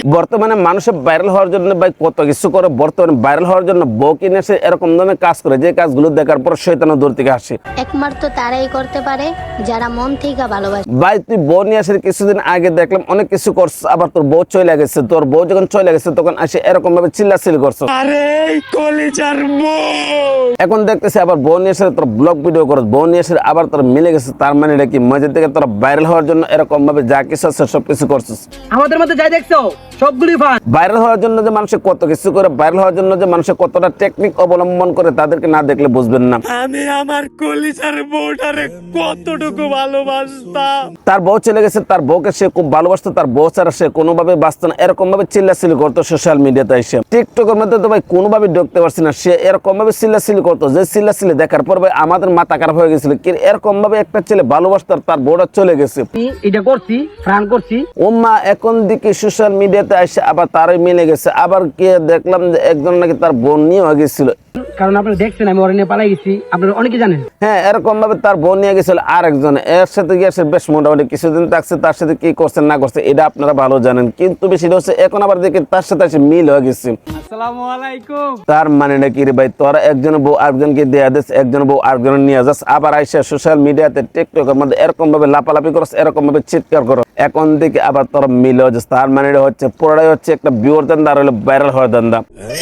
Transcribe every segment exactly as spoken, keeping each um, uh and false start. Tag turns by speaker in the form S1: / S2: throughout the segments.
S1: বর্তমানে মানুষের ভাইরাল হওয়ার জন্য ভাই কত কিছু করে, বর্তমানে ভাইরাল হওয়ার জন্য বউ কিনে এসে এরকম ধরনের কাজ করে যে কাজগুলো দেখার পর শয়তানও দূর থেকে আসে।
S2: একমাত্র তারাই করতে পারে যারা মন থেকে ভালোবাসে।
S1: ভাই তুই বউ নিয়ে আসে কিছুদিন আগে দেখলাম অনেক কিছু করছিস, আবার তোর বউ চলে গেছে, তোর বউ যখন চলে গেছে তখন আসে এরকম ভাবে চিল্লাচিল্লি করছিস।
S3: আরে কলিজার বউ,
S1: এখন দেখতেছি আবার বউ নিয়ে এসে তোর ব্লগ ভিডিও করছ, বউ নিয়ে এসে আবার তোর মিলে গেছে। তার মানে এটা কি মজার থেকে তোর ভাইরাল হওয়ার জন্য এরকম ভাবে যা কিছু আছে সবকিছু করছিস।
S3: আমাদের মধ্যে যাই দেখছো সবগুলি ফান।
S1: ভাইরাল হওয়ার জন্য যে মানুষ কত কিছু করে, ভাইরাল হওয়ার জন্য যে মানুষ কতটা টেকনিক অবলম্বন করে তাদেরকে না দেখলে বুঝবেন না।
S3: আমি আমার কলিজার বউটারে কতটুকু ভালোবাসতাম।
S1: তার বউ চলে গেছে, তার বউকে সে খুব ভালোবাসতো, তার বউ ছাড়া সে কোনোভাবে বাঁচত না, এরকম ভাবে চিল্লাচিল্লি করতো সোশ্যাল মিডিয়াতে এসে। টিকটকের মধ্যে তো ভাই কোনোভাবে ঢুকতে পারছি না, সে এরকম ভাবে চিল্লাচিল্লি করতো যে চিল্লাচিল্লি দেখার পর ভাই আমাদের মাথা খারাপ হয়ে গেছিল। কি এরকম ভাবে একটা ছেলে ভালোবাসতো তার বউটা চলে গেছে।
S3: এটা করছি ফ্রান করছি
S1: ওম্মা এখন দিকে সোশ্যাল মিডিয়াতে এসে আবার তারই মিলে গেছে। আবার কে দেখলাম যে একজন নাকি তার বোন নিয়ে গেছিল,
S3: কারণ আপনারা দেখছেন আমি ওরা নিয়ে পালাই গেছি, আপনারা অনেকে জানেন।
S1: হ্যাঁ এরকম ভাবে তার বোন নিয়ে গেছিল আরেকজন, এর সাথে গিয়ে বেশ মোটামুটি কিছুদিন থাকছে, তার সাথে কি করছে না করছে এটা আপনারা ভালো জানেন। কিন্তু বেশিটা হচ্ছে এখন আবার দেখি তার সাথে এসে মিল হয়ে গেছে।
S3: আসসালামু আলাইকুম।
S1: তার মানে নাকি রে ভাই তোরা একজন বউ আরেকজনকে দেয়া দিস, একজন বউ আরেকজন নিয়ে যাস, আবার আইসা সোশ্যাল মিডিয়াতে টিকটকের মধ্যে এরকম ভাবে লাপালাপি করস, এরকম ভাবে চিৎকার করো, এখন থেকে আবার তোরা মিল হয়ে যাস। তার মানে এটা হচ্ছে পুরোটাই হচ্ছে একটা বিওর দান্দা আর হলো ভাইরাল হওয়ার দান্দা।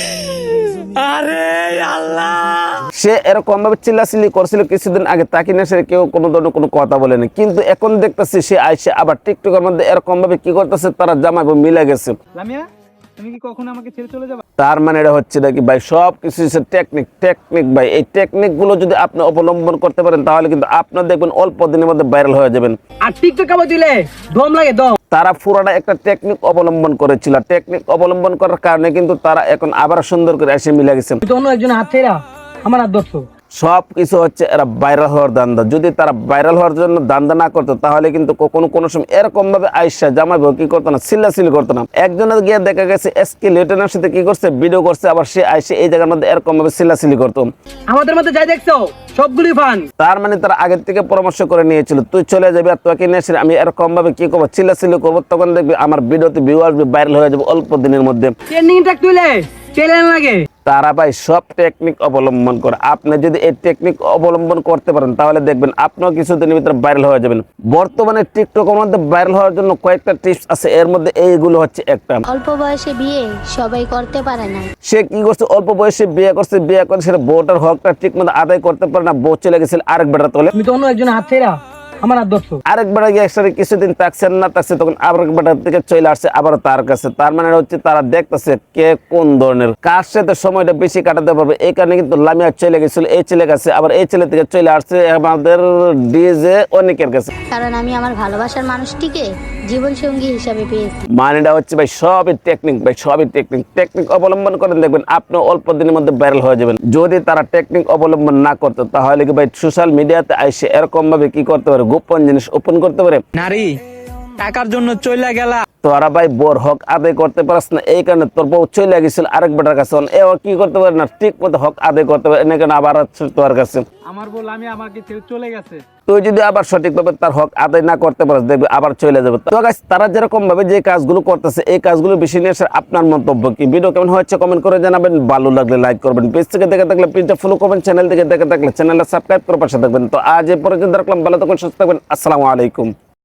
S3: আরে আল্লাহ,
S1: সে এরকম ভাবে চিল্লাচিল্লি করছিল কিছুদিন আগে, তাকে নিয়ে সে কেউ কোনো ধরনের কোনো কথা বলেনি, কিন্তু এখন দেখতেছি সে আইসে আবার টিকটকের মধ্যে এরকম ভাবে কি করতেছে, তারা জামাই বউ মিলে গেছে।
S3: লামিয়া তুমি কি কখনো আমাকে ছেড়ে চলে যাবে?
S1: তার মানে এটা হচ্ছে নাকি ভাই সব কিছু টেকনিক টেকনিক ভাই, এই টেকনিক গুলো যদি আপনি অবলম্বন করতে পারেন তাহলে কিন্তু আপনার দেখবেন অল্প দিনের মধ্যে ভাইরাল হয়ে যাবেন।
S3: আর টিকটক আবার দিলে দম লাগে দম।
S1: তারা পুরাটা একটা টেকনিক অবলম্বন করেছিল, টেকনিক অবলম্বন করার কারণে কিন্তু তারা এখন আবার সুন্দর করে এসে মিলে গেছে।
S3: অন্য একজন হাত ছেড়া আমার হাত ধরছো।
S1: সব কিছু হচ্ছে এরা ভাইরাল হওয়ার দান্দা। যদি তারা ভাইরাল হওয়ার জন্য দান্দা না করতো তাহলে কিন্তু কোনো কোনো সময় এরকম ভাবে আইসা জামাই বউ কি করতো না, চিল্লাচিল্লি করতো না। একজনের গিয়ে দেখা গেছে এসকে লিটনের সাথে কি করছে, ভিডিও করছে, আবার সে আইসে এই জায়গার মধ্যে এরকম ভাবে চিল্লাচিল্লি করতো।
S3: আমাদের মধ্যে যাই দেখছো সবগুলি ফান।
S1: তার মানে তারা আগের থেকে পরামর্শ করে নিয়েছিল তুই চলে যাবি আর তোকে নিয়ে এসে আমি এরকম ভাবে কি করবো, চিল্লাচিল্লি করবো, তখন দেখবি আমার ভিডিওতে ভিউ আসবে, ভাইরাল হয়ে যাবে অল্প দিনের মধ্যে।
S3: ট্রেন্ডিং ট্র্যাক তুলে চ্যালেঞ্জ লাগে।
S1: তারা ভাই সব টেকনিক অবলম্বন করে। আপনি যদি এই টেকনিক অবলম্বন করতে পারেন তাহলে দেখবেন আপনিও কিছুদিনের ভিতরে ভাইরাল হয়ে যাবেন। বর্তমানে টিকটকের মধ্যে ভাইরাল হওয়ার জন্য কয়েকটা টিপস আছে, এর মধ্যে এইগুলো হচ্ছে একটা।
S2: অল্প বয়সে বিয়ে সবাই করতে পারে না।
S1: সে কি করছে, অল্প বয়সে বিয়ে করছে, বিয়ে করে সেটা বউটার হকটা ঠিক মতো আদায় করতে পারে না, বউ চলে গেছিল আরেক বেটা তোলে।
S3: তুমি তো অন্য একজন হাত ছেড়া আমার হাত ধরছো।
S1: আরেক বেটা গিয়ে একসাথে কিছুদিন থাকছেন না থাকছে, তখন আরেক বেটার থেকে চলে আসছে আবার তার কাছে। তার মানে হচ্ছে তারা দেখতেছে কে কোন ধরনের, কার সাথে সময়টা বেশি কাটাতে পারবে। এই কারণে কিন্তু লামিয়া চলে গেছিল এই ছেলে কাছে, আবার এই ছেলে থেকে চলে আসছে আমাদের ডিজে অনেকের কাছে।
S2: কারণ আমি আমার ভালোবাসার মানুষটিকে জীবন সঙ্গী হিসাবে পেয়েছি।
S1: মানেটা হচ্ছে ভাই সবই টেকনিক, ভাই সবই টেকনিক। টেকনিক অবলম্বন করেন দেখবেন আপনি অল্প দিনের মধ্যে ভাইরাল হয়ে যাবেন। যদি তারা টেকনিক অবলম্বন না করতো তাহলে কি ভাই সোশ্যাল মিডিয়াতে আইসে এরকম ভাবে কি করতে পারে, গোপন জিনিস ওপেন করতে পারে।
S3: নারী টাকার জন্য চলে গেলা,
S1: তোরা ভাই বোর হক আদায় করতে পারস না, এই কারণে তোর বউ চলে গেছিল আরেক বেটার কাছে। এও কি করতে পারে না, ঠিক মতো হক আদায় করতে পারে না, কেন আবার তোর কাছে।
S3: আমার বল আমি আমাকে ছেড়ে চলে গেছে।
S1: তুই যদি আবার সঠিকভাবে তার হক আদায় না করতে পারিস দেখবি আবার চলে যাবে। তো গাইস তারা যেরকম ভাবে যে কাজগুলো করতেছে এই কাজগুলো বেশি নিয়ে আসার আপনার মন্তব্য কি? ভিডিও কেমন হয়েছে কমেন্ট করে জানাবেন, ভালো লাগলে লাইক করবেন, পেজ থেকে দেখে থাকলে পেজটা ফলো করবেন, চ্যানেল থেকে দেখে থাকলে চ্যানেলটা সাবস্ক্রাইব করে পাশে থাকবেন। তো আজ এই পর্যন্ত রাখলাম, ভালো থাকবেন, সুস্থ থাকবেন, আসসালামু আলাইকুম।